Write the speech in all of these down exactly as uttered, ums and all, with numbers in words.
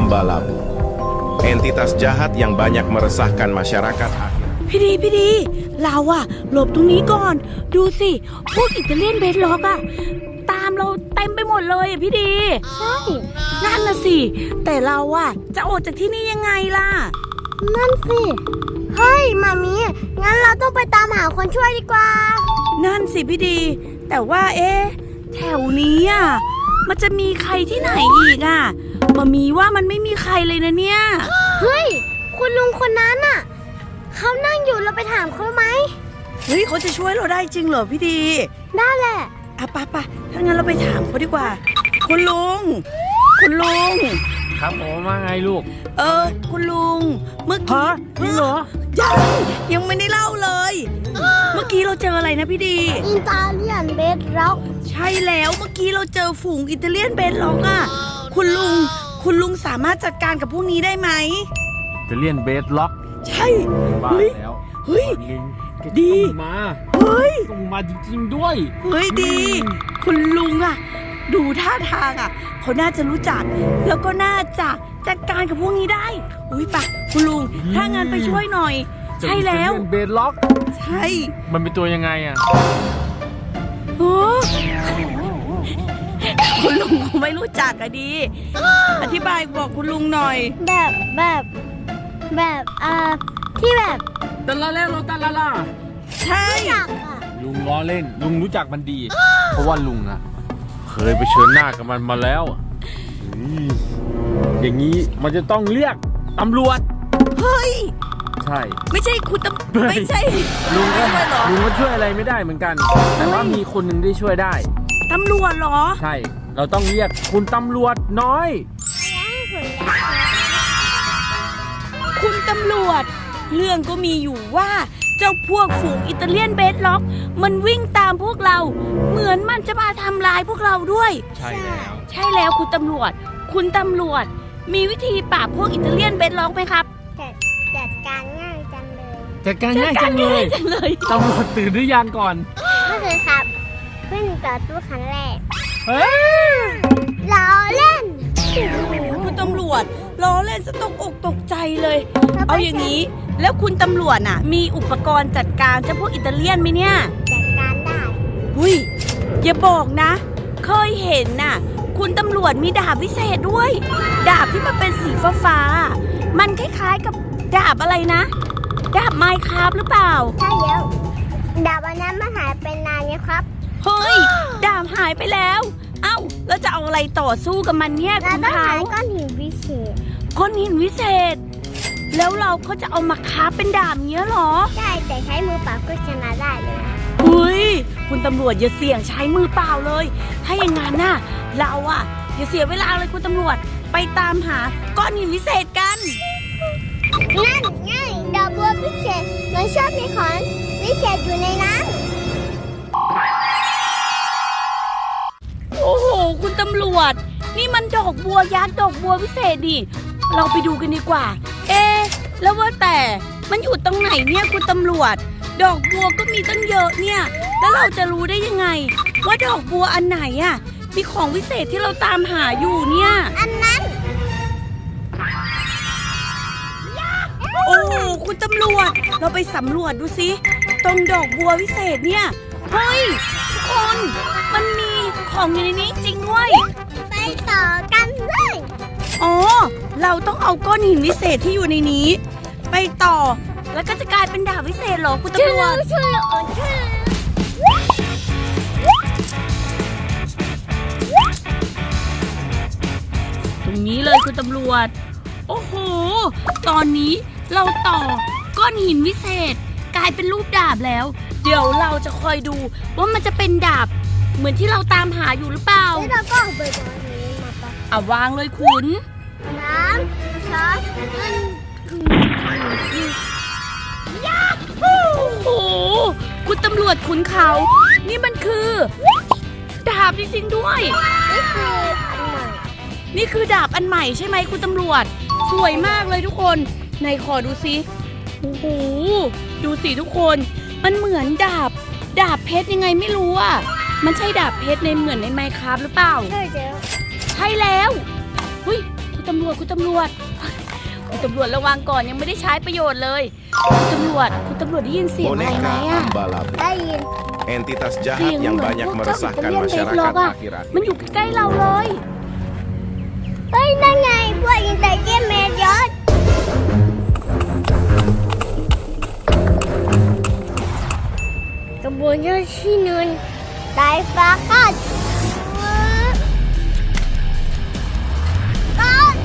Balabu. Entitas jahat yang banyak meresahkan masyarakat akhir. พี่ดีพี่ดีเราอะหลบตรงนี้ก่อนดูสิพวกอิตาเลียนเบสล็อกอะตามเราเต็มไปหมดเลยอะพี่ดีใช่นั่นน่ะสิแต่เราอะจะออกจากที่นี่ยังไงล่ะนั่นสิเฮ้ยมามีงั้นเราต้องไปตามหาคนช่วยดีกว่านั่นสิพี่ดีแต่ว่าเอ๊ะแถวนี้อะมันจะมีใครที่ไหนอีกอะมามีว่ามันไม่มีใครเลยนะเนี่ยเฮ้ยคุณลุงคนนั้นอะเขานั่งอยู่เราไปถามเขาไหมเฮ้ยเขาจะช่วยเราได้จริงเหรอพี่ดีได้แหละอ่ะปะปะถ้างั้นเราไปถามเขาดีกว่าคุณลุงคุณลุงครับผมว่าไงลูกเออคุณลุงเมื่อกี้จริงเหรอยังยังไม่ได้เล่าเลยเมื่อกี้เราเจออะไรนะพี่ดีอิตาเลียนเบสล็อกใช่แล้วเมื่อกี้เราเจอฝูงอิตาเลียนเบสล็อกอ่ะคุณลุงคุณลุงสามารถจัดการกับพวกนี้ได้ไหมอิตาเลียนเบสล็อกใช่บ้าแล้วเฮ้ยดีมาเฮ้ยต้องมาจริงๆด้วยเฮ้ยดีคุณลุงอ่ะดูท่าทางอ่ะเขาน่าจะรู้จักแล้วก็น่าจะจัดการกับพวกนี้ได้อุ้ยปะคุณลุงถ้างั้นไปช่วยหน่อยใช่แล้วเบสล็อกใช่มันเป็นตัวยังไงอ่ะโอ้คุณลุงเขาไม่รู้จักอะดีอธิบายบอกคุณลุงหน่อยแบบแบบแบบอ่าที่แบบตะละแล้วเราตะละล่ะใช่ลุงล้อเล่นลุงรู้จักมันดีเพราะว่าลุงอะเคยไปเชิญหน้ากับมันมาแล้วอย่างนี้มันจะต้องเรียกตำรวจเฮ้ยใช่ไม่ใช่คุณตำไม่ใช่ลุงก็ลุงก็ช่วยอะไรไม่ได้เหมือนกันแต่ว่ามีคนหนึ่งที่ช่วยได้ตำรวจเหรอใช่เราต้องเรียกคุณตำรวจน้อยคุณตำรวจเรื่องก็มีอยู่ว่าเจ้าพวกฝูงอิตาเลียนเบสล็อกมันวิ่งตามพวกเราเหมือนมันจะมาทำลายพวกเราด้วยใช่แล้วใช่แล้วคุณตำรวจคุณตำรวจมีวิธีปราบพวกอิตาเลียนเบสล็อกไหมครับจัดจัดการง่ายจังเลยจัดการง่ายจังเลยตำรวจตื่นหรือยังก่อนก็คือครับขึ้นต่อตู้คันแรกเฮ้ยล้อเล่นคุณตำรวจล้อเล่นจะตกอกตกใจเลยเอาอย่างนี้แล้วคุณตำรวจน่ะมีอุปกรณ์จัดการเจ้าพวกอิตาเลียนไหมเนี่ยจัดการได้หุยอย่าบอกนะเคยเห็นน่ะคุณตำรวจมีดาบวิเศษด้วยดาบที่มันเป็นสีฟ้าฟ้ามันคล้ายๆกับดาบอะไรนะดาบไมค์ครับหรือเปล่าใช่แล้วดาบอันนั้นมันหายไปนานแล้วครับเฮ้ยดาบหายไปแล้วเอ้าแล้วจะเอาอะไรต่อสู้กับมันเนี่ยคุณเขาเราต้องใช้ก้อนหินวิเศษก้อนหินวิเศษแล้วเราก็จะเอามาคาบเป็นดาบเงี้ยหรอใช่แต่ใช้มือเปล่าก็ชนะได้เลยนะเฮ้ยคุณตำรวจอย่าเสี่ยงใช้มือเปล่าเลยถ้าอย่างงั้นน่ะเราอะอย่าเสียเวลาเลยคุณตำรวจไปตามหาก้อนหินวิเศษกันนั่นไงดอกบัววิเศษมันชอบมีของวิเศษอยู่ในนั้นโอ้โหคุณตำรวจนี่มันดอกบัวยักษ์ดอกบัววิเศษดิเราไปดูกันดีกว่าเอ๊ะแล้วว่าแต่มันอยู่ตรงไหนเนี่ยคุณตำรวจดอกบัวก็มีตั้งเยอะเนี่ยแล้วเราจะรู้ได้ยังไงว่าดอกบัวอันไหนอ่ะมีของวิเศษที่เราตามหาอยู่เนี่ยอันนั้นโอ้คุณตำรวจเราไปสำรวจดูสิตรงดอกบัววิเศษเนี่ยเฮ้ยทุกคนมันมีของอยู่ในนี้จริงด้วยไปต่อกันเลยอ๋อเราต้องเอาก้อนหินวิเศษที่อยู่ในนี้ไปต่อแล้วก็จะกลายเป็นดาบวิเศษเหรอคุณตำรวจช่วยอ่อนช่วยตรงนี้เลยคุณตำรวจโอ้โหตอนนี้เราต่อก้อนหินวิเศษกลายเป็นรูปดาบแล้วเดี๋ยวเราจะคอยดูว่ามันจะเป็นดาบเหมือนที่เราตามหาอยู่หรือเปล่าแล้วเราก็เอาใบไม้นี้มาปะอ่ะวางเลยคุณน้ำช้อนเงินยาฮูโอ้โหคุณตำรวจขุนเขานี่มันคือดาบจริงๆด้วยนี่คืออันใหม่นี่คือดาบอันใหม่ใช่ไหมคุณตำรวจสวยมากเลยทุกคนไหนขอดูสิโอ้โหดูสิทุกคนมันเหมือนดาบดาบเพชรยังไงไม่รู้อ่ะมันใช่ดาบเพชรในเหมือนในไมค์ครับหรือเปล่าใช่แล้วใช่แล้วเฮ้ยคุณตำรวจคุณตำรวจคุณตำรวจระวังก่อนยังไม่ได้ใช้ประโยชน์เลยคุณตำรวจคุณตำรวจได้ยินเสียงอะไรไหม Boneka อะ Ambalab, ได้ยิน entitas เสีย jahat ง yang เหมือน banyak พวกเจ้าอิตา meresahkan เลียนเบสล็อก masyarakat อะ akhir-akhir มันอยู่ใกล้ๆเราเลยเฮ้ยนั่นไงพวกอินเตอร์เจนเมดยอดกระบวนการที่หนึ่งได้ฟ้ากัดกัด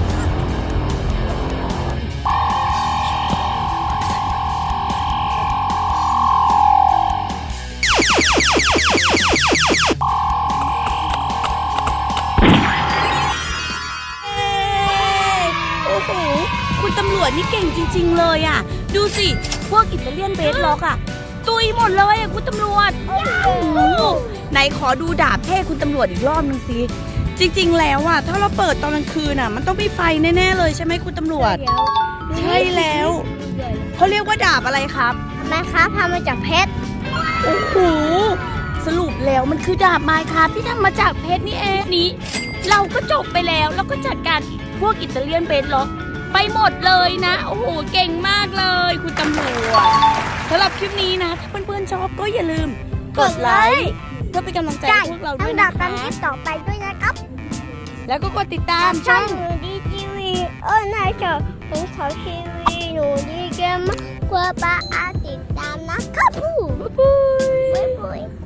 โอ้โหคุณตำรวจนี่เก่งจริง ๆ เลยอ่ะ ดูสิ พวกอิตาเลียนเบสล็อกอ่ะ ตุยหมดเลยอ่ะคุณตำรวจ โอ้โหไหนขอดูดาบเท่คุณตำรวจอีกรอบนึงสิ จริง ๆ แล้วอ่ะ ถ้าเราเปิดตอนกลางคืนอ่ะ มันต้องมีไฟแน่ ๆ เลยใช่ไหมคุณตำรวจ ใช่แล้ว เขาเรียกว่าดาบอะไรครับทำไมครับทำมาจากเพชรโอ้โห สรุปแล้วมันคือดาบไม้ครับที่ทำมาจากเพชรนี่เองนี้ เราก็จบไปแล้วแล้วก็จัดการพวกอิตาเลียนเบสล็อกไปหมดเลยนะ โอ้โห เก่งมากเลย คุณตำรวจสำหรับคลิปนี้นะ ถ้าเพื่อนๆชอบก็อย่าลืม กดไลค์เพื่อเป็นกำลังใจให้พวกเราด้วยดันะบคะตามคลิปต่อไปด้วยนะครับแล้วก็กดติดตามช่ช่ออง งหนูดีทีวีเออนายเจ้าของเขาทีวีหนูดีเกมมากกว่าป้าอาติดตามนะครับผู้บ๊ายบายบ๊ายบาย